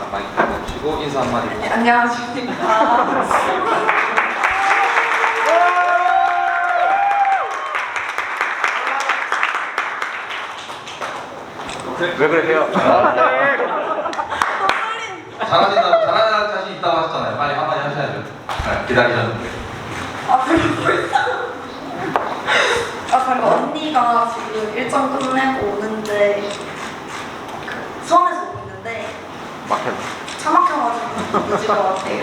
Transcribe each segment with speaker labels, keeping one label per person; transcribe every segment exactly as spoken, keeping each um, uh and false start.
Speaker 1: 마이크 해주시고 인사 한마디 해주세요.
Speaker 2: 네, 안녕하십니까.
Speaker 3: 왜 그러세요?
Speaker 1: 잘하신다고, 잘하는 자신 있다고 하셨잖아요. 빨리 한마디 하셔야죠. 네, 기다리셨는데.
Speaker 2: 아, 그리고 아, 방금 언니가 지금 일정 끝내고 오는데 그 수원에서 오고 있는데
Speaker 3: 막혔네.
Speaker 2: 차 막혀가지고 늦을 것 같아요.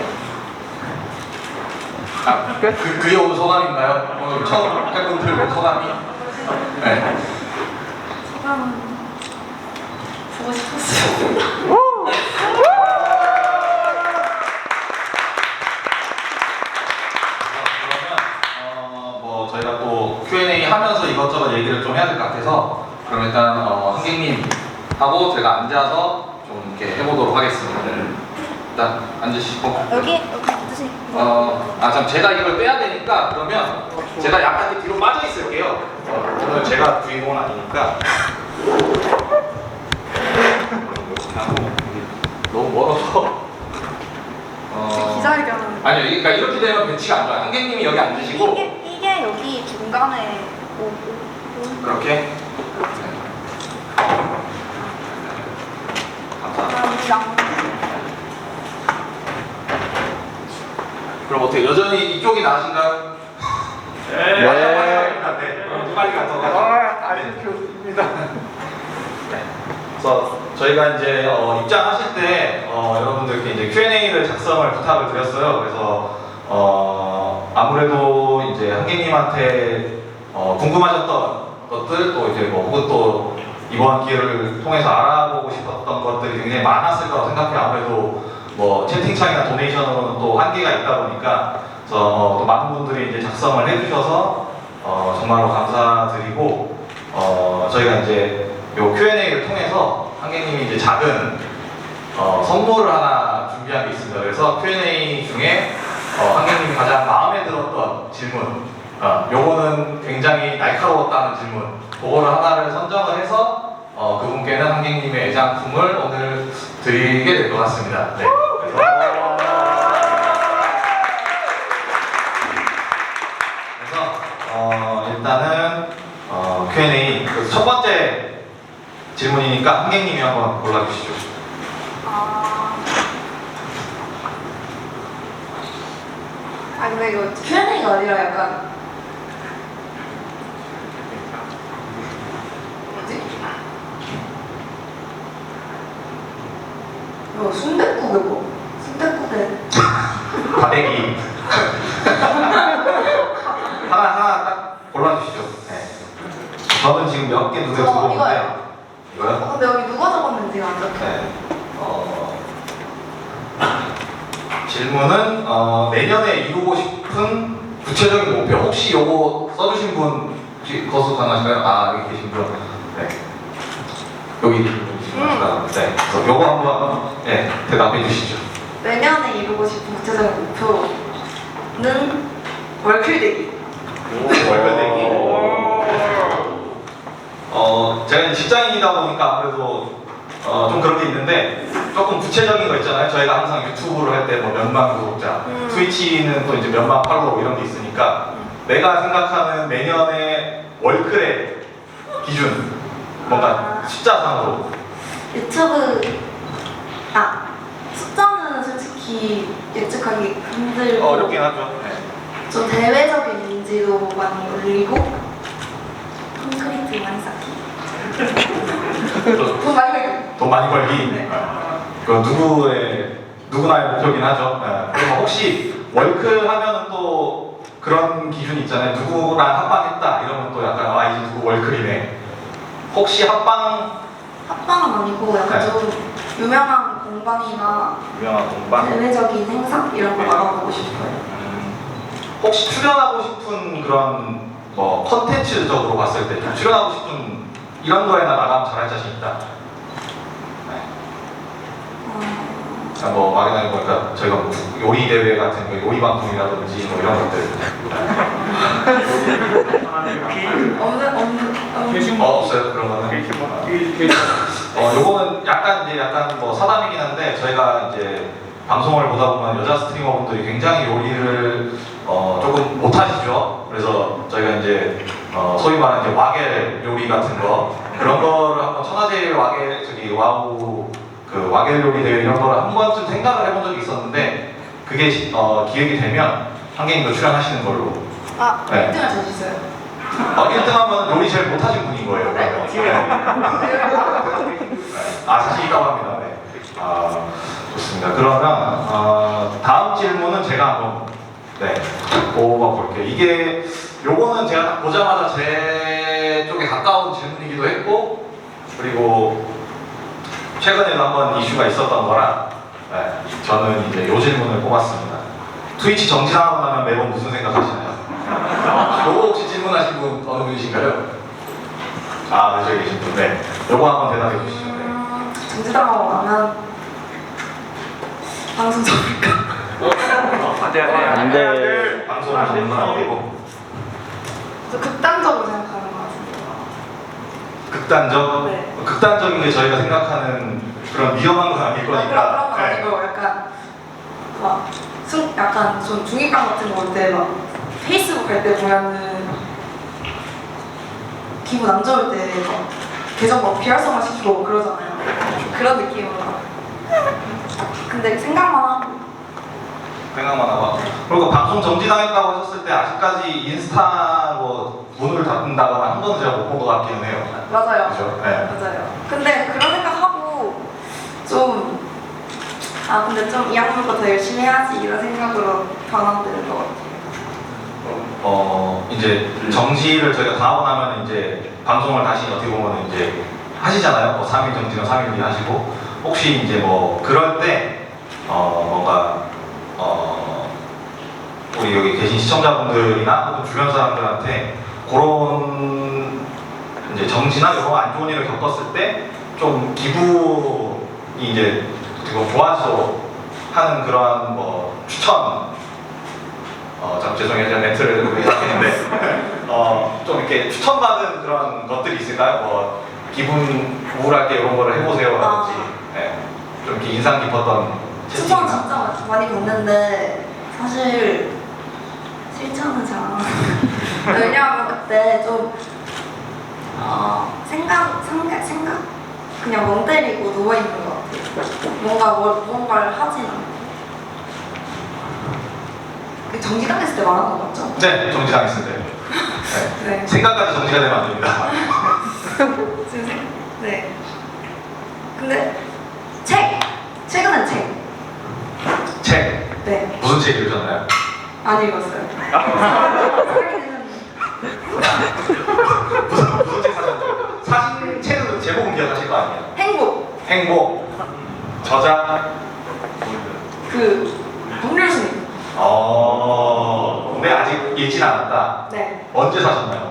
Speaker 1: 아, 그, 그게 온 소감인가요? 오늘 처음 팬분 들고 소감이? 네.
Speaker 2: 소감 보고 싶었어요.
Speaker 1: 어, 뭐 저희가 또 큐 앤 에이 하면서 이것저것 얘기를 좀 해야 될 것 같아서 그럼 일단 어, 한객님하고 제가 앉아서 좀 이렇게 해보도록 하겠습니다. 일단 앉으시고
Speaker 2: 여기 여기 앉으세요.
Speaker 1: 어, 아, 참 제가 이걸 빼야 되니까 그러면 제가 약간 이렇게 뒤로 빠져 있을게요. 어, 오늘 제가 주인공은 아니니까. 너무 멀어서. 어,
Speaker 2: 기자회견.
Speaker 1: 아니요, 그러니까 이렇게 되면 배치가 안 좋아요. 한객님이 여기 앉으시고
Speaker 2: 이게 이게 여기 중간에 오고.
Speaker 1: 그렇게. 네. 감사합니다.
Speaker 2: 감사합니다.
Speaker 1: 그럼 어떻게 여전히 이쪽이 나으신가요?
Speaker 3: 네.
Speaker 1: 마지막입니다. 네. 그럼 빨리 가서 가죠.
Speaker 3: 아쉽습니다.
Speaker 1: 네. 그래서 저희가 이제 어, 입장하실 때 어, 여러분들께 이제 큐 앤 에이를 작성을 부탁을 드렸어요. 그래서 어, 아무래도 이제 한객님한테 어, 궁금하셨던 것들 또 이제 뭐 혹은 또 이번 기회를 통해서 알아보고 싶었던 것들이 굉장히 많았을 거라고 생각해요. 아무래도 뭐 채팅창이나 도네이션으로는 또 한계가 있다 보니까 그래서 어, 또 많은 분들이 이제 작성을 해주셔서 어, 정말로 감사드리고 어, 저희가 이제 요 큐 앤 에이를 통해서 한객님이 이제 작은 어, 선물을 하나 준비한 게 있습니다. 그래서 큐 앤 에이 중에 어, 한객님이 가장 마음에 들었던 질문, 어, 요거는 굉장히 날카로웠다는 질문, 그거를 하나를 선정을 해서 어, 그분께는 한객님의 애장품을 오늘 드리게 될 것 같습니다. 네. 그래서, 그래서 어, 일단은 어, 큐 앤 에이 그래서 첫 번째 질문이니까 한객님이 한번 골라주시죠.
Speaker 2: 아. 아 근데 이거 큐 앤 에이가 아니라 약간 뭐지? 이거 순댓국에 뭐? 순댓국에
Speaker 1: 과대기 하나 하나 딱 골라주시죠. 네. 저는 지금 몇 개 눈에
Speaker 2: 어,
Speaker 1: 들어오는데
Speaker 2: 이거요.
Speaker 1: 이거요?
Speaker 2: 어, 근데 여기 누가 적었는지가 안 적혀.
Speaker 1: 네. 어, 질문은 어, 내년에 이루고 싶은 구체적인 목표. 혹시 요거 써주신 분 혹시 거수 가능하실까요? 아 여기 계신 분. 네. 여기 계신 분 계시구나. 네. 그래서 요거 한번 네, 대답해 주시죠.
Speaker 2: 내년에 이루고 싶은 구체적인 목표는 월클되기.
Speaker 1: 월별내기. 어, 제가 이제 직장인이다 보니까 아무래도 어, 좀 그런 게 있는데 조금 구체적인 거 있잖아요. 저희가 항상 유튜브를 할 때 뭐 몇만 구독자,
Speaker 2: 음.
Speaker 1: 트위치는 또 이제 몇만 팔로워 이런 게 있으니까 내가 생각하는 내년의 월클의 기준 뭔가 숫자상으로
Speaker 2: 유튜브 아 숫자는 솔직히 예측하기 힘들고
Speaker 1: 어렵긴 하죠. 네.
Speaker 2: 좀 대외적인 인지도 많이 올리고 콘크리트 많이 쌓기 돈 많이 벌기.
Speaker 1: 돈 많이 벌기.
Speaker 2: 네.
Speaker 1: 그 누구의 누구나의 목표긴 하죠. 네. 그럼 혹시 월클 하면은 또 그런 기준이 있잖아요. 누구랑 합방했다 이러면 또 약간 아 이제 누구 월클이네. 혹시 합방
Speaker 2: 합방은 아니고 약간
Speaker 1: 네.
Speaker 2: 좀 유명한 공방이나
Speaker 1: 유명한 공방?
Speaker 2: 대외적인 행사 이런 거
Speaker 1: 네.
Speaker 2: 나가보고 싶어요.
Speaker 1: 음, 혹시 출연하고 싶은 그런 뭐 컨텐츠적으로 봤을 때 좀 출연하고 싶은 이런 거에나 나가면 잘할 자신 있다. 네.
Speaker 2: 어...
Speaker 1: 그냥 뭐 막연하게 보니까 저희가 뭐 요리 대회 같은 거 요리 방송이라든지 뭐 이런 것들
Speaker 2: 없는 없는 없는
Speaker 1: 어, 없어요 그런 거는. 어, 요거는 약간 이제 약간 뭐 사담이긴 한데 저희가 이제 방송을 보다 보면 여자 스트리머분들이 굉장히 요리를 어, 조금 못하시죠. 그래서 저희가 이제 어, 소위 말하는 이제 와겔 요리 같은 거 그런 거를 한번 천하제일 와겔 저기 와우 그 와겔 요리 대회 이런 거를 한 번쯤 생각을 해본 적이 있었는데 그게 시- 어, 기획이 되면 한개님도 출연하시는 걸로.
Speaker 2: 아,
Speaker 1: 네.
Speaker 2: 일 등을 쳐주세요.
Speaker 1: 어, 일 등 하면 요리 제일 못하신 분인 거예요. 그러면. 네. 아, 자신 있다고 합니다. 네. 아, 좋습니다. 그러면 어, 다음 질문은 제가 한번 네, 뽑아볼게요. 이게 요거는 제가 딱 보자마자 제 쪽에 가까운 질문이기도 했고 그리고 최근에도 한번 이슈가 있었던 거라 네, 저는 이제 요 질문을 뽑았습니다. 트위치 정지하고 나면 매번 무슨 생각하시나요? 요거 혹시 질문하신 분 어느 분이신가요? 아, 네, 저기 계신 분. 네. 요거 한번 대답해 주시죠. 네.
Speaker 2: 음, 정지당하고 나면 방송 접을까?
Speaker 3: 안 돼.
Speaker 1: 방송을 하시는 건 아니고
Speaker 2: 저 극단적으로 생각하는 것 같은데.
Speaker 1: 극단적?
Speaker 2: 네.
Speaker 1: 극단적인 게 저희가 생각하는 그런 위험한 건 아닐
Speaker 2: 그런
Speaker 1: 거니까.
Speaker 2: 그런 건
Speaker 1: 네.
Speaker 2: 아니고 약간 막 순, 약간 좀 중립감 같은 거 올 때 막 페이스북 할 때 보면은 기분 안 좋을 때 막 계정 막 비활성화 시키고 그러잖아요. 그런 느낌으로. 근데 생각만 하고
Speaker 1: 생각만 하고. 그리고 방송 정지당했다고 하셨을 때 아직까지 인스타 뭐 문을 닫는다거나 한 번도 제가 못 본 것 같기는 해요.
Speaker 2: 맞아요.
Speaker 1: 그죠? 네.
Speaker 2: 맞아요. 근데 그런 생각하고 좀 아 근데 좀 이 학년보다 더 열심히 해야지 이런 생각으로 변화되는 것 같아요.
Speaker 1: 어 이제 정지를 저희가 다 하고 나면 이제 방송을 다시 어떻게 보면 이제 하시잖아요. 뭐 삼 일 정지는 삼 일 뒤에 하시고 혹시 이제 뭐 그럴 때 어 뭔가 어 우리 여기 계신 시청자분들이나 혹은 주변 사람들한테 그런 이제 정지나 이런 안 좋은 일을 겪었을 때 좀 기분이 이제 그리고 좋아져 하는 그러한 뭐 추천 어, 참 죄송해요. 제가 멘트를 생각했는데 어, 좀 이렇게 추천받은 그런 것들이 있을까요? 뭐 기분 우울할 때 이런 거를 해보세요라든지 네. 좀 이렇게 인상 깊었던
Speaker 2: 추천
Speaker 1: 채팅이나
Speaker 2: 진짜 많이 받는데 사실 실천은 잘 안 하고 왜냐하면 그때 좀 어, 생각, 생각, 생각? 그냥 멍 때리고 누워있는 것 같아요. 뭔가 뭘, 무언가를 하진 않고 그 정지당했을 때 말하는 거 맞죠?
Speaker 1: 네, 정지당했을 때 네.
Speaker 2: 네.
Speaker 1: 생각까지 정지가 되면 안 됩니다.
Speaker 2: 지금 생- 네. 근데 책! 최근엔 책.
Speaker 1: 책
Speaker 2: 네.
Speaker 1: 무슨 책 읽으셨나요?
Speaker 2: 안 읽었어요. 사긴 했는데.
Speaker 1: 무슨 무슨 책 사셨나요? 사신 책은 제목은 기억하실 거 아니에요?
Speaker 2: 행복.
Speaker 1: 행복 저자
Speaker 2: 그 법률스님.
Speaker 1: 어 근데 아직 읽진 않았다.
Speaker 2: 네.
Speaker 1: 언제 사셨나요?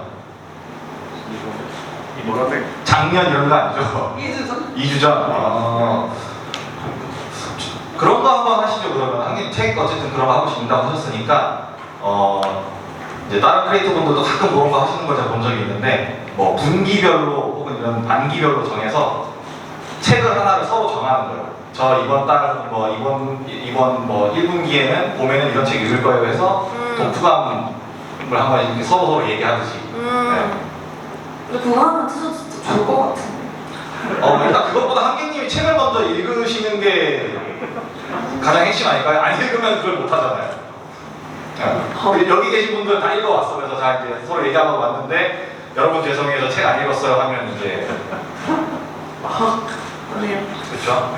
Speaker 3: 이모라색.
Speaker 1: 작년 이런 거 아니죠?
Speaker 2: 이 주 전?
Speaker 1: 이 주 전? 아, 그런 거 한번 하시죠. 그러면 한개 책 어쨌든 그런 거 하고 싶다고 하셨으니까 어 이제 다른 크리에이터 분들도 가끔 그런 거 하시는 걸 제가 본 적이 있는데 뭐 분기별로 혹은 이런 반기별로 정해서 책을 하나를 서로 정하는 거예요. 저 이번 달 뭐 이번 이번 뭐 일 분기에는 봄에는 이런 책 읽을 거예요 해서
Speaker 2: 음.
Speaker 1: 독후감을 한번 이렇게 서로 서로 얘기하듯이.
Speaker 2: 음. 근데 그거 하면 진짜 진짜 좋을 것 같은데.
Speaker 1: 어 일단 그것보다 한객님이 책을 먼저 읽으시는 게 가장 핵심 아닐까요? 안 읽으면 그걸 못 하잖아요. 네. 여기 계신 분들 다 읽어왔어. 그래서 자 이제 서로 얘기하고 왔는데 여러분 죄송해요 저 책 안 읽었어요 하면 이제
Speaker 2: 아, 아니요.
Speaker 1: 그렇죠?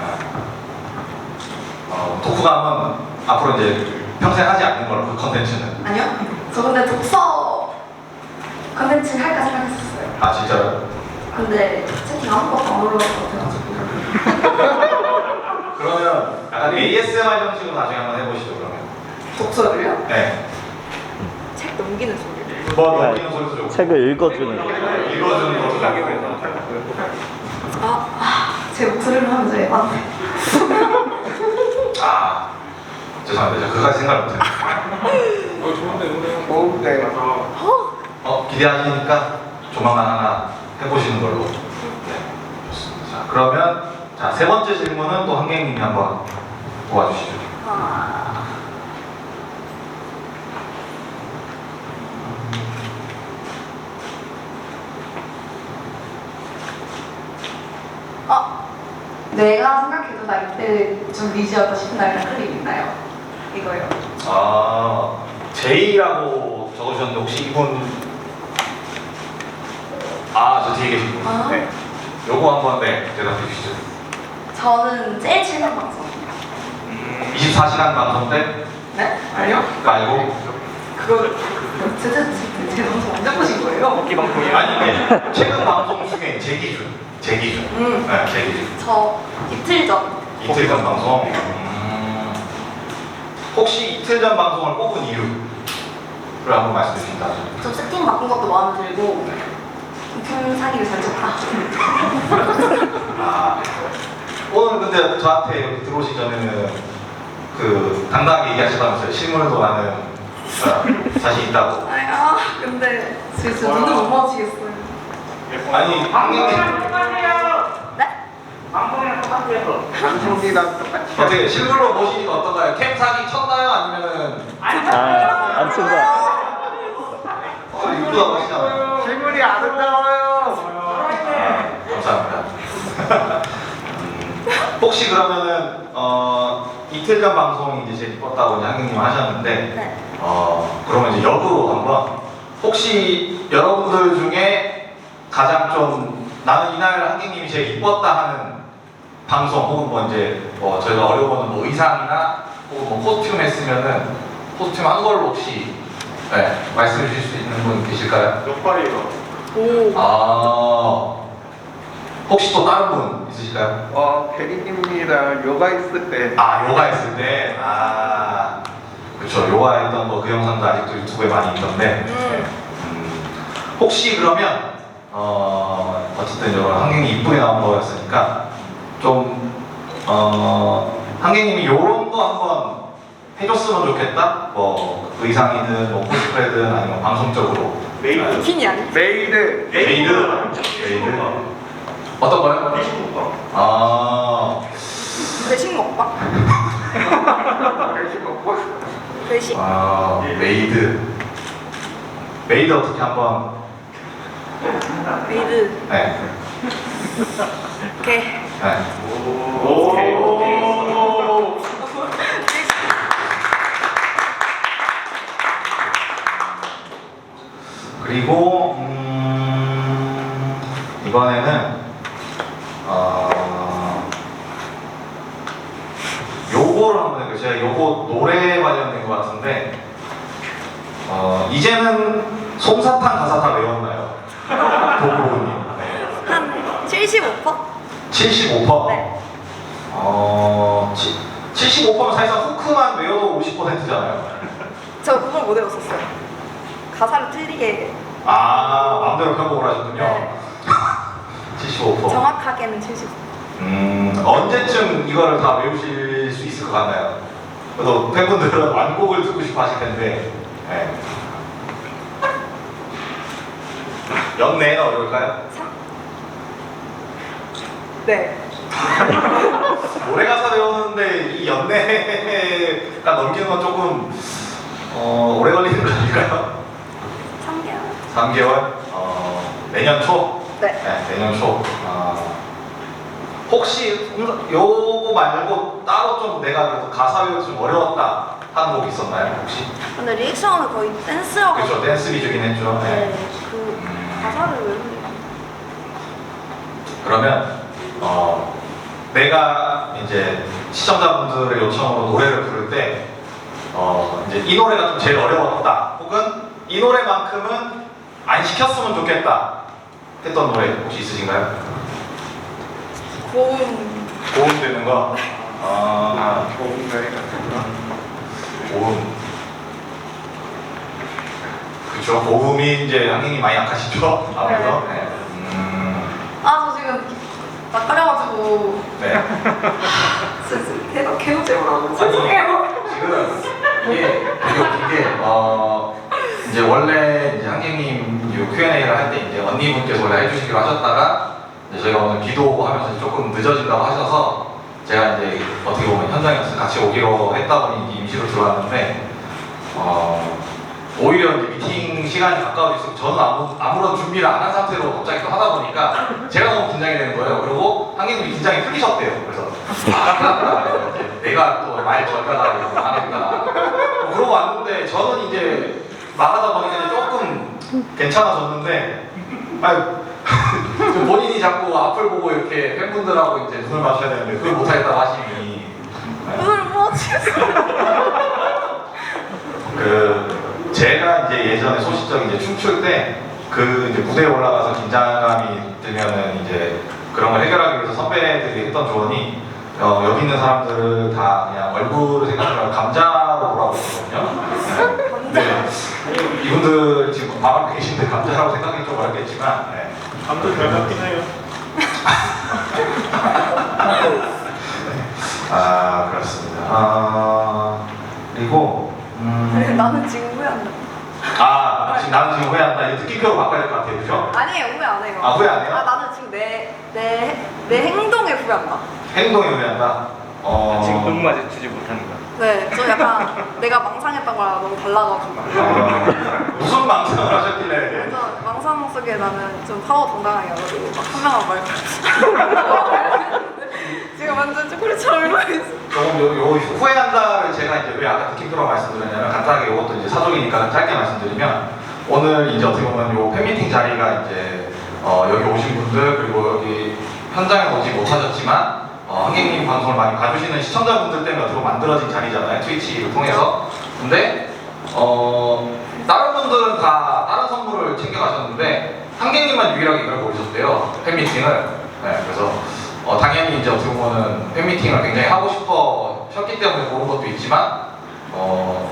Speaker 1: 어, 독후감은 앞으로 이제 평생 하지 않는 걸로 그 컨텐츠는.
Speaker 2: 아니요? 저 근데 독서 컨텐츠 할까 생각했었어요.
Speaker 1: 아 진짜요?
Speaker 2: 근데 채팅 아무것도 안 올라올 것 같아가지고.
Speaker 1: 그러면 약간 에이에스엠알 형식으로 나중에 한번 해보시죠 그러면.
Speaker 2: 독서를요?
Speaker 1: 네.
Speaker 2: 책 넘기는 소리.
Speaker 1: 뭐 넘기는 소리도 좋고.
Speaker 3: 책을 읽어주는 거.
Speaker 1: 읽어주는 것도 좋고.
Speaker 2: 아, 아, 제 목소리를 하면 제 맞네.
Speaker 1: 아 죄송합니다. 제가 그까지 생각을 못했네.
Speaker 3: 어, 좋은데, 오늘. 네.
Speaker 1: 어 기대하시니까 조만간 하나 해보시는 걸로. 네 좋습니다. 자, 그러면 자, 세 번째 질문은 또 한객님이 한번 도와주시죠.
Speaker 2: 아, 어, 내가 생각해도 나 이때 좀 미지였다 싶은 날이나 클립 있나요? 이거요.
Speaker 1: 아, 제이라고 적으셨는데 혹시 이분 아, 저 뒤에 계신 분.
Speaker 2: 아.
Speaker 1: 네. 요거 한번 네, 대답해 주시죠.
Speaker 2: 저는 제일 최근 방송.
Speaker 1: 이십사 시간 방송 때?
Speaker 2: 네? 아니요?
Speaker 1: 그거 알고?
Speaker 2: 그거 제, 제, 제, 제 방송 언제 보신 거예요?
Speaker 3: 이 방송이요?
Speaker 1: 아니, 이게 최근 방송 중에 제 기준. 제 기준.
Speaker 2: 음.
Speaker 1: 네, 제 기준.
Speaker 2: 저 이틀 전.
Speaker 1: 이틀 전 방송. 음, 혹시 이틀 전 방송을 꼽은 이유를 한번 말씀해 주신다면?
Speaker 2: 좀 세팅 바꾼 것도 마음에 들고 큰 사기를 잘 쳤다.
Speaker 1: 아, 오늘 근데 저한테 여기 들어오시 전에는 그 당당하게 얘기하시다면서요. 실물도 나는 어, 자신 있다고.
Speaker 2: 아야, 근데 진짜 눈을 못 마주치겠어요.
Speaker 1: 아니, 한국인
Speaker 2: 네?
Speaker 3: 방송이랑 똑같아요. 방송이랑 똑같이.
Speaker 1: 어떻게 실물로 보시니까 어떤가요? 캠 사기 쳤나요? 아니면은
Speaker 3: 아, 안 쓴다.
Speaker 1: 어, 이쁘다 보시잖아요.
Speaker 3: 실물이 아름다워요.
Speaker 1: 감사합니다. 음, 혹시 그러면은 어, 이틀 전 방송이 이제 제일 이뻤다고 한경님 하셨는데
Speaker 2: 네.
Speaker 1: 어, 그러면 이제 역으로 한번 혹시 여러분들 중에 가장 좀 나는 이날 한경님이 제일 이뻤다 하는 방송 혹은 뭐 이제 뭐 저희가 어려워하는 뭐 의상이나 혹은 뭐 코스튬 했으면은 코스튬 한 걸로 혹시 네, 말씀해 주실 수 있는 분 계실까요?
Speaker 3: 역발이요.
Speaker 2: 오.
Speaker 1: 아 혹시 또 다른 분 있으실까요?
Speaker 3: 어, 대리님이랑 요가 있을 때.
Speaker 1: 아 요가 했을 때, 아 그렇죠. 요가 했던 거 그 영상도 아직도 유튜브에 많이 있던데
Speaker 2: 음.
Speaker 1: 음, 혹시 그러면 어 어쨌든 여러 한경이 이쁘게 나온 거였으니까 좀 어 한경님이 요런 거 한번 해줬으면 좋겠다. 뭐 의상이든 뭐 코스프레든 아니면 방송적으로
Speaker 3: 메이드.
Speaker 2: 비키니 아니?
Speaker 3: 메이드.
Speaker 1: 메이드 메이드 어떤 거요? 아
Speaker 2: 외식 먹방?
Speaker 3: 열심히 먹고.
Speaker 2: 외식?
Speaker 1: 아, 메이드. 메이드 어떻게 한번.
Speaker 2: 메이드.
Speaker 1: 네.
Speaker 2: 오케이.
Speaker 1: 네.
Speaker 3: 오.
Speaker 1: 그리고, 음, 이번에는, 어, 요거를 한번 해볼게요. 제가 요거 노래 관련된 것 같은데, 어, 이제는 솜사탕 가사 다 외웠나요? 도구로님. 네.
Speaker 2: 한 칠십오 퍼센트?
Speaker 1: 칠십오 퍼센트?
Speaker 2: 네.
Speaker 1: 어, 치, 칠십오 퍼센트면 사실상 후크만 외워도 오십 퍼센트잖아요.
Speaker 2: 저 그걸 못 외웠었어요. 가사를 틀리게.
Speaker 1: 아, 마음대로 편곡을 하셨군요.
Speaker 2: 네.
Speaker 1: 칠십오 퍼센트.
Speaker 2: 정확하게는 칠십오 퍼센트.
Speaker 1: 음, 언제쯤 이거를 다 외우실 수 있을 것 같나요? 그래도 팬분들은 완곡을 듣고 싶어 하실 텐데, 네. 연내는 어려울까요?
Speaker 2: 네.
Speaker 1: 노래 가사 외우는데 이 연내가 넘기는 건 조금 어, 오래 걸리는 거 아닐까요?
Speaker 2: 삼 개월.
Speaker 1: 삼 개월? 어, 내년 초?
Speaker 2: 네.
Speaker 1: 네, 내년 초. 어, 혹시 음, 요거 말고 따로 좀 내가 그래도 가사 외우기 좀 어려웠다 하는 곡 있었나요? 혹시?
Speaker 2: 근데 리액션은 거의 댄스여가지고.
Speaker 1: 그렇죠, 댄스 위주긴 했죠. 네.
Speaker 2: 네. 그
Speaker 1: 음,
Speaker 2: 가사를 외우는 게.
Speaker 1: 그러면 어, 내가 이제 시청자분들의 요청으로 노래를 부를 때 어, 이제 이 노래가 좀 제일 어려웠다 혹은 이 노래만큼은 안 시켰으면 좋겠다 했던 노래 혹시 있으신가요?
Speaker 2: 고음.
Speaker 1: 고음 되는 거? 아,
Speaker 3: 아, 좋은 노래 같은 거.
Speaker 1: 고음. 그쵸, 고음이 이제 한경이 많이 약하시죠? 아무래도. 네. 음,
Speaker 2: 아, 저 지금 낯가려가지고.
Speaker 1: 네.
Speaker 2: 진짜 계속 개우제우라고. 죄송해요.
Speaker 1: 지금 이게 되게 웃긴 게 어, 이제 원래 이제 한경님 큐 앤 에이를 할 때 이제 언니분께서 원래 해주시기로 하셨다가 이제 저희가 오늘 비도 오고 하면서 조금 늦어진다고 하셔서 제가 이제 어떻게 보면 현장에서 같이 오기로 했다 보니 임시로 들어왔는데 어, 오히려 이제 미팅 시간이 가까워질수록 저는 아무, 아무런 준비를 안 한 상태로 갑자기 또 하다 보니까 제가 너무 긴장이 되는 거예요. 그리고 한개님이 긴장이 풀리셨대요. 그래서 아, 내가 또 말 전달하고 하겠다. 뭐 그러고 왔는데 저는 이제 말하다 보니까 이제 조금 괜찮아졌는데 아유, 좀 본인이 자꾸 앞을 보고 이렇게 팬분들하고 이제 눈을 맞춰야 되는데 그걸 못하겠다고 하시니
Speaker 2: 오늘 뭐
Speaker 1: 그 제가 이제 예전에 소시적 이제 춤출 때 그 이제 무대에 올라가서 긴장감이 들면은 이제 그런 걸 해결하기 위해서 선배들이 했던 조언이 어, 여기 있는 사람들을 다 그냥 얼굴을 생각하면 감자로 보라고 했거든요. 네. 네. 이분들 지금 마음 계신데 감자라고 생각이 좀 어렵겠지만 네.
Speaker 3: 감도 잘 맞긴 해요.
Speaker 1: 아 그렇습니다. 아 그리고 음...
Speaker 2: 나는 지금 후회한다.
Speaker 1: 아 지금 나는 지금 후회한다. 이거 느낌표로 바꿔야 될 것 같아요, 그죠?
Speaker 2: 아니에요, 후회 안 해요.
Speaker 1: 아 후회 안 해요?
Speaker 2: 아 나는 지금 내 내 내 행동에 후회한다.
Speaker 1: 행동에 후회한다. 어...
Speaker 3: 지금 너무 마주치지 못한다.
Speaker 2: 네, 저 약간 내가 망상했던 거랑 너무 달라가지고.
Speaker 1: 어... 무슨 망상을 하셨길래?
Speaker 2: 저 망상 속에 나는 좀 파워 당당하게가지고 막 한 명한 말. 지금 완전 초콜릿처럼 일고 있어.
Speaker 1: 조금 요, 요 후회한다를 제가 이제 왜 아까 느낌표로 말씀드렸냐면 간단하게 이것도 이제 사족이니까 짧게 말씀드리면 오늘 이제 어떻게 보면 요 팬미팅 자리가 이제 어, 여기 오신 분들 그리고 여기 현장에 오지 못하셨지만 어, 한객님 방송을 많이 봐주시는 시청자분들 때문에 어떻게 보면 만들어진 자리잖아요, 트위치를 통해서. 근데 어, 다른 분들은 다 다른 선물을 챙겨가셨는데 한객님만 유일하게 이걸 고르셨대요, 팬미팅을. 네, 그래서 어, 당연히 이제 어떻게 보면은 팬미팅을 굉장히 하고 싶어 셨기 때문에 고른 것도 있지만 어,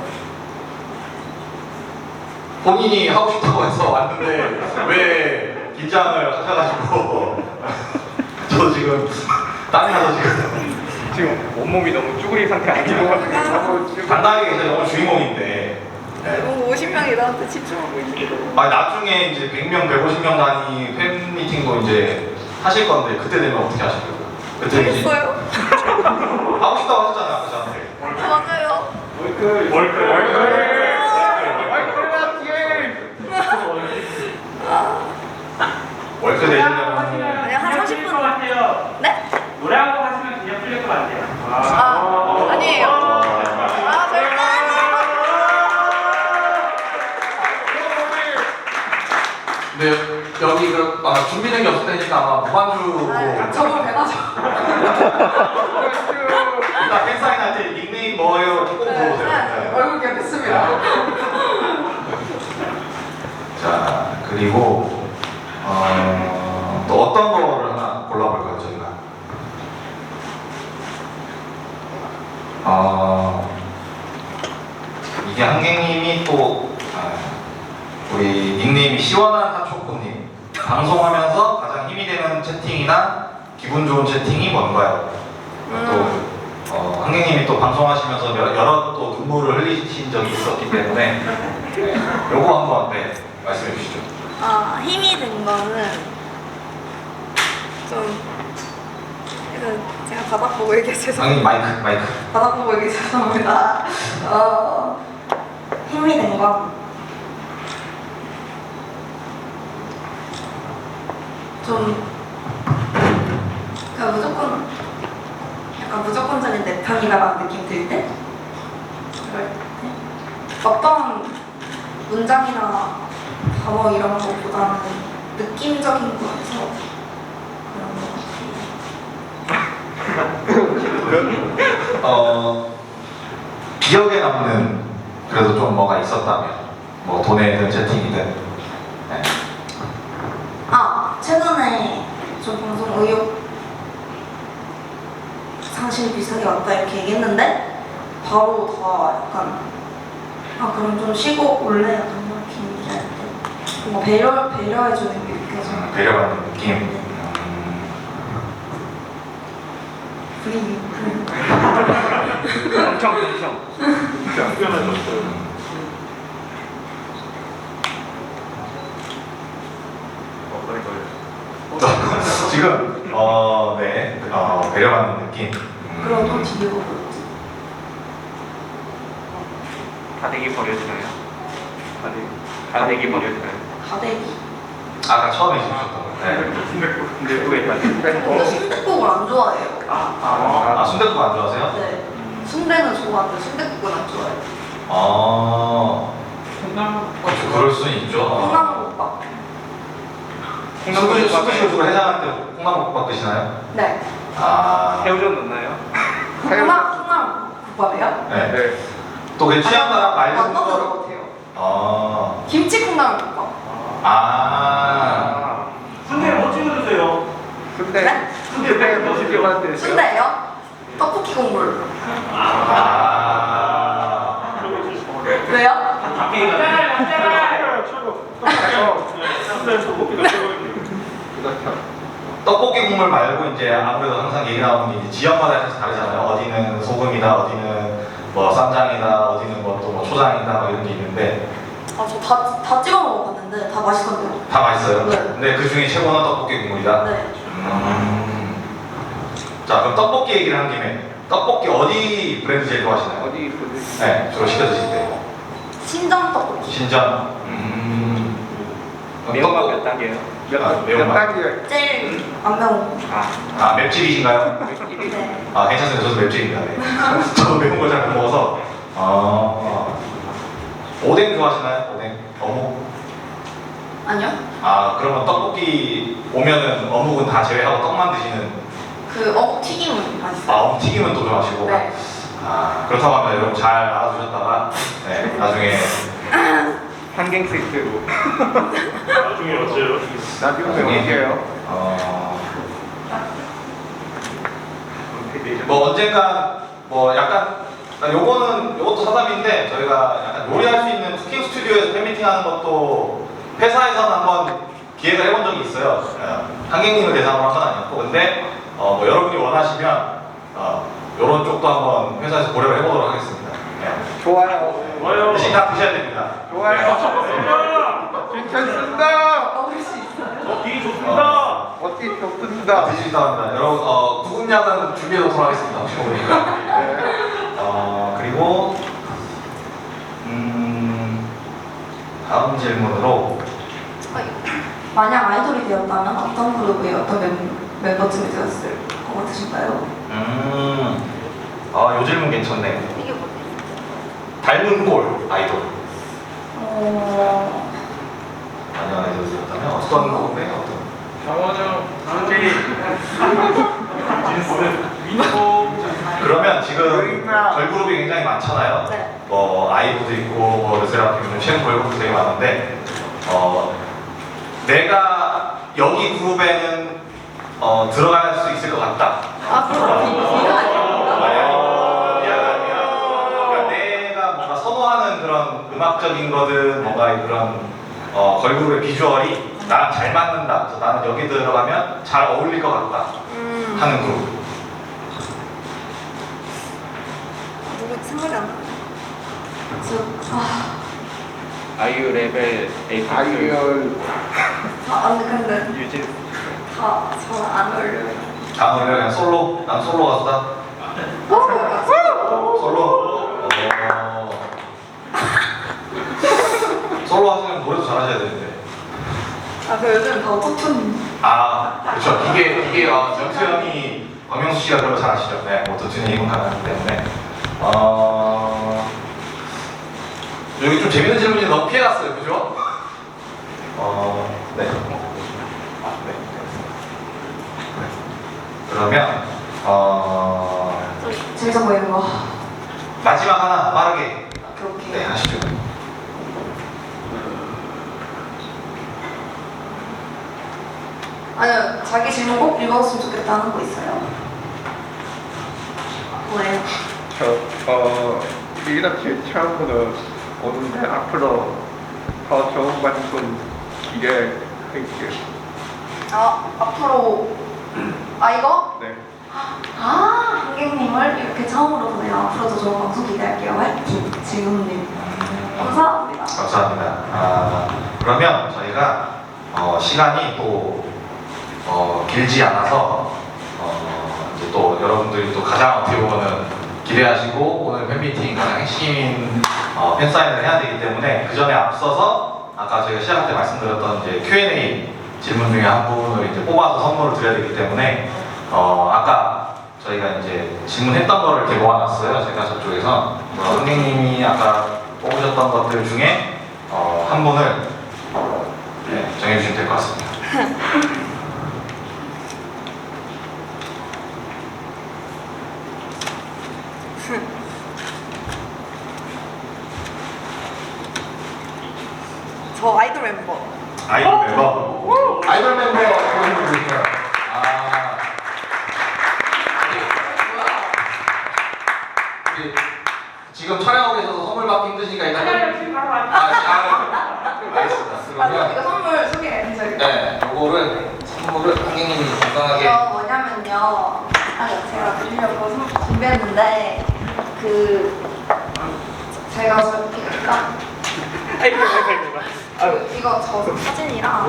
Speaker 1: 본인이 하고 싶다고 해서 왔는데 왜 긴장을 하셔가지고 저도 지금 땀이 나서 지금
Speaker 3: 지금 온몸이 너무 쭈그리 상태 아니고
Speaker 1: 간단하게 계셔서 오늘 주인공인데 네.
Speaker 2: 너무 오십 명이 나한테 집중하고 있어.
Speaker 1: 아 나중에 이제 백 명, 백오십 명 단위 팬미팅도 이제 하실 건데 그때 되면 어떻게 하시려고요? 그때 이제
Speaker 2: 알겠어요?
Speaker 1: 하고 싶다고 하셨잖아요 아까 저한테.
Speaker 2: 맞아요.
Speaker 3: 월클 월클 월클
Speaker 1: 월크 되시려면
Speaker 2: 아니 한 삼십 분.
Speaker 4: 같아요.
Speaker 2: 네?
Speaker 4: 노래 한 곡 하시면 그냥 풀릴 것 같아요.
Speaker 2: 아 아니에요. 아 절대 아니에요.
Speaker 1: 네 여기 그 아, 준비된 게 없을 테니까 아마 무반주로
Speaker 2: 아, 저거 배나죠.
Speaker 1: 이따 팬사인 할 때 닉네임 뭐예요? 꼭 물어보세요. 네.
Speaker 2: 얼굴 기억했습니다.
Speaker 1: 자 그리고 어, 또 어떤 거를 하나 골라볼까요 저희가? 어, 이게 한객님이 또 아, 우리 닉네임이 시원한 하초코님 방송하면서 가장 힘이 되는 채팅이나 기분 좋은 채팅이 뭔가요? 또 어, 한객님이 또 방송하시면서 여러, 여러 또 눈물을 흘리신 적이 있었기 때문에 네, 요거 한번 네, 말씀해 주시죠.
Speaker 2: 아 힘이 된 거는 좀 이거 제가 바닥 보고 얘기해 죄송합니다.
Speaker 1: 한객님 마이크 마이크.
Speaker 2: 바닥 보고 얘기해 죄송합니다. 어 힘이 된 건 좀 그러니까 무조건 약간 무조건적인 내 편이다라는 느낌 들 때 그럴 때 어떤 문장이나 단어 이런 것보다는 느낌적인 거에서 그런 것 같아요.
Speaker 1: 어 기억에 남는 그래도 좀 뭐가 있었다면 뭐 돈에든 채팅이든. 네.
Speaker 2: 아 최근에 저 방송 의욕 상실 비슷하게 왔다 이렇게 얘기했는데 바로 다 약간 아 그럼 좀 쉬고 올래요 이렇게 얘기할 때 뭔가 배려 배려해주는 게 느껴져요.
Speaker 1: 음, 배려받는 느낌.
Speaker 2: 네.
Speaker 1: 음,
Speaker 2: 분위기.
Speaker 3: 엄청 엄청
Speaker 1: 음. 지금 지금 어, 네, 어, 배려받는 느낌. 음.
Speaker 2: 그럼 또 뒤에 뭐였지?
Speaker 3: 다대기 버려주나요? 다대기 다대기 버려주나요?
Speaker 2: 가대기.
Speaker 1: 아까 처음에 주셨던 거. 네.
Speaker 3: 근데 또 있다.
Speaker 2: 근데 순댓국을 안 좋아해요.
Speaker 1: 아, 순댓국 안 좋아하세요?
Speaker 2: 네. 순대는 좋아하는데 순댓국은 안 좋아해요.
Speaker 1: 아, 어, 그럴 수 있죠. 어.
Speaker 2: 콩나물국밥.
Speaker 1: 수구시 수구시로 해장할 때 콩나물국밥 드시나요?
Speaker 2: 네.
Speaker 1: 아,
Speaker 3: 새우젓 넣나요?
Speaker 2: 콩나 콩나물국밥이요?
Speaker 1: 네.
Speaker 3: 네.
Speaker 1: 또 그 취향 따라 말씀
Speaker 2: 안 넣는
Speaker 1: 거.
Speaker 2: 것 같아요.
Speaker 1: 아,
Speaker 2: 김치 콩나물국밥.
Speaker 1: 아,
Speaker 4: 순대 뭐 찍어 드세요?
Speaker 3: 순대
Speaker 2: 네?
Speaker 3: 순대 뭐 시켜봤는데
Speaker 2: 순대요? 떡볶이 국물.
Speaker 1: 아.
Speaker 2: 왜요?
Speaker 4: 밖에
Speaker 1: 떡볶이 국물 말고 이제 아무래도 항상 얘기 나오는 게 이제 지역마다 약간 다르잖아요. 어디는 소금이다, 어디는 뭐 쌈장이다, 어디는 뭐 또 뭐 초장이다, 뭐 이런 게 있는데
Speaker 2: 아, 저 다 다 찍어 먹어봤는데 다 맛있던데요.
Speaker 1: 다 맛있어요.
Speaker 2: 네.
Speaker 1: 근데 그 중에 최고는 떡볶이 국물이다.
Speaker 2: 네.
Speaker 1: 음. 자, 그럼 떡볶이 얘기를 한 김에 떡볶이 어디 브랜드 제일 좋아하시나요?
Speaker 3: 어디 있거든?
Speaker 1: 네, 주로 시켜 드실 때.
Speaker 2: 신정 떡볶이.
Speaker 1: 신전. 음. 그럼
Speaker 3: 매운맛
Speaker 1: 떡볶-
Speaker 3: 몇 단계예요?
Speaker 1: 아,
Speaker 3: 몇, 몇
Speaker 1: 매운맛.
Speaker 3: 단계?
Speaker 2: 제일 안 매운 거.
Speaker 3: 아,
Speaker 1: 아, 맵찔이신가요?
Speaker 2: 네.
Speaker 1: 아, 괜찮습니다. 저도 맵찔입니다. 네. 저도 매운 걸 잘 못 먹어서. 아. 오뎅 좋아하시나요? 오뎅? 어묵?
Speaker 2: 아니요?
Speaker 1: 아, 그러면 떡볶이 오면은 어묵은 다 제외하고 떡만 드시는.
Speaker 2: 그 어묵 튀김은
Speaker 1: 아,
Speaker 2: 맛있어요.
Speaker 1: 어묵 튀김은 또 좋아하시고.
Speaker 2: 네.
Speaker 1: 아, 그렇다고 하면 여러분 잘 알아두셨다가, 네, 나중에.
Speaker 3: 한갱 세트로
Speaker 4: 나중에 어째요?
Speaker 3: 나중에
Speaker 1: 나중에?
Speaker 3: 올게요.
Speaker 1: 어. 뭐 언젠가 뭐 약간 요거는 요것도 사담인데 저희가 약간 요리할 수 있는 쿠킹 스튜디오에서 팬미팅 하는 것도 회사에서는 한번 기획을 해본 적이 있어요. 어, 한객님을 대상으로 한 건 아니었고 근데 어, 뭐 여러분이 원하시면 어, 요런 쪽도 한번 회사에서 고려를 해보도록 하겠습니다. 네.
Speaker 3: 좋아요.
Speaker 4: 좋아요.
Speaker 1: 대신 다 드셔야 됩니다.
Speaker 3: 좋아요. 괜찮습니다.
Speaker 2: 먹을 수 있어요?
Speaker 4: 어, 길이 좋습니다.
Speaker 3: 어디
Speaker 1: 다
Speaker 3: 좋습니다.
Speaker 1: 드시기도 합니다. 여러분 어, 구급약은 준비해 놓도록 하겠습니다. 혹시 모르니까.
Speaker 3: 네.
Speaker 1: 어, 그리고 음, 다음 질문으로
Speaker 2: 만약 아이돌이 되었다면 어떤 그룹의 어떤 멤, 멤버쯤이 되었을 것 같으신가요?
Speaker 1: 음, 아, 요 질문 괜찮네.
Speaker 2: 이게 뭐지?
Speaker 1: 닮은 꼴 아이돌.
Speaker 2: 어...
Speaker 1: 만약 아이돌이었다면 어떤 그룹의 어떤?
Speaker 3: 장원영,
Speaker 4: 제이. 진스. 민호.
Speaker 1: 그러면 지금
Speaker 3: 여기가-
Speaker 1: 걸그룹이 굉장히 많잖아요.
Speaker 2: 네.
Speaker 1: 뭐 아이브도 있고 뭐 르세라핌 최근 걸그룹도 되게 많은데 어, 내가 여기 그룹에는 어, 들어갈 수 있을 것 같다.
Speaker 2: 아, 그럼 비- 비가 아니에요?
Speaker 1: 비하가 아니라 그러니까 내가 뭔가 선호하는 그런 음악적인 거든 뭔가 그런 어, 걸그룹의 비주얼이 나랑 잘 맞는다. 그래서 나는 여기 들어가면 잘 어울릴 것 같다
Speaker 2: 음...
Speaker 1: 하는 그룹.
Speaker 2: 누구 생각이 안 나네. 저... 아...
Speaker 3: 아이유 레벨 에이트. 아이유
Speaker 2: 아, 아니 근데
Speaker 3: 유진.
Speaker 2: 다 잘 안 어울려요.
Speaker 1: 다음 노래 그냥 솔로. 난 솔로 가수다. 솔로. 어... 솔로 하시면 노래도 잘하셔야 되는데.
Speaker 2: 아, 그 요즘 다 오토튠.
Speaker 1: 아, 그렇죠. 이게 이게 어, 정수 형이 박명수 씨가 그런 거 잘 아시죠? 네, 오토튠이 가능하기 때문에. 어... 여기 좀 재밌는 질문이 너무 피해갔어요, 그죠? 어, 네. 아, 네. 네. 그러면 어
Speaker 2: 좀 재밌어 보이는 거.
Speaker 1: 마지막 하나 빠르게
Speaker 2: 그렇게.
Speaker 1: 네 하시죠.
Speaker 2: 아니요, 자기 질문 꼭 읽었으면 좋겠다 하는 거 있어요? 뭐예요?
Speaker 3: 저, 어, 이렇게 처음으로 오는데 앞으로 더 좋은 방송 기대할게요.
Speaker 2: 아, 앞으로 아 이거?
Speaker 3: 네.
Speaker 2: 아, 한객님을 이렇게 처음으로 보네요. 앞으로도 좋은 방송 기대할게요. 화이팅! 지훈님. 감사합니다.
Speaker 1: 감사합니다. 아, 그러면 저희가 어, 시간이 또 어, 길지 않아서 어, 이제 또 여러분들이 또 가장 어떻게 보면은 기대하시고 오늘 팬미팅 가장 핵심인 어, 팬사인을 해야 되기 때문에 그 전에 앞서서 아까 저희가 시작할 때 말씀드렸던 이제 큐 앤 에이 질문 중에 한 분을 이제 뽑아서 선물을 드려야 되기 때문에 어, 아까 저희가 이제 질문했던 거를 이렇게 모아놨어요. 제가 저쪽에서 어, 선생님이 아까 뽑으셨던 것들 중에 어, 한 분을 네, 정해주시면 될 것 같습니다.
Speaker 2: 저 아이돌 멤버.
Speaker 1: 아이돌 멤버. 아이돌 멤버 보여주고 계세요. 아. 우리 지금 촬영하고 계셔서 선물 받기 힘드시니까 일단. 아, 아, 알겠습니다.
Speaker 2: 아,
Speaker 1: 그러면
Speaker 2: 이거 선물 소개해 주세요.
Speaker 1: 네, 요거를 선물을 선생님이 간단하게.
Speaker 2: 이거 뭐냐면요. 아, 제가 드리려고 선- 준비했는데 그 제가 저렇게 약간
Speaker 3: 아이고 아이고 아이고.
Speaker 2: 그, 이거 저 사진이랑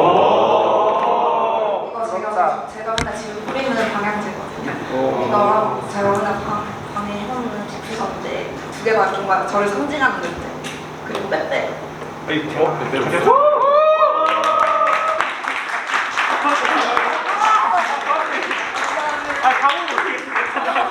Speaker 3: 오.
Speaker 2: 이거 제가 제가 맨날 지금 뿌리는 방향제거든요.
Speaker 3: 오.
Speaker 2: 이거랑 제가 맨날 방, 방에 해놓는 디퓨저인데 두 개가 정말 저를 상징하는 듯 그리고 빼빼
Speaker 3: 아이고. 어? 아 가면 모르겠습니다.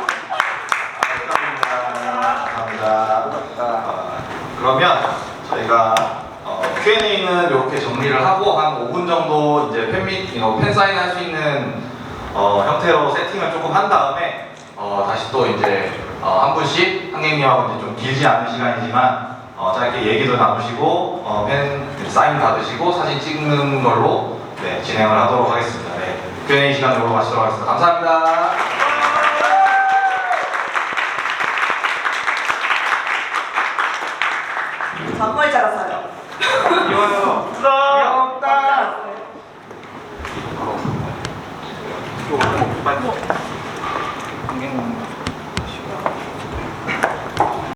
Speaker 1: 감사합니다. 어, 그러면 저희가 어, 큐 앤 에이는 이렇게 정리를 하고 한 오 분 정도 이제 팬미 어, 팬사인 할 수 있는 어, 형태로 세팅을 조금 한 다음에 어, 다시 또 이제 어, 한 분씩 한객님하고 이제 좀 길지 않은 시간이지만 어, 짧게 얘기도 나누시고 어, 팬 사인 받으시고 사진 찍는 걸로 네, 진행을 하도록 하겠습니다. 네, 큐 앤 에이 시간으로 마치도록 하겠습니다. 감사합니다.
Speaker 2: 정말 잘했어요.
Speaker 3: 귀여워요.
Speaker 4: 귀엽다.
Speaker 3: 이거 빨리.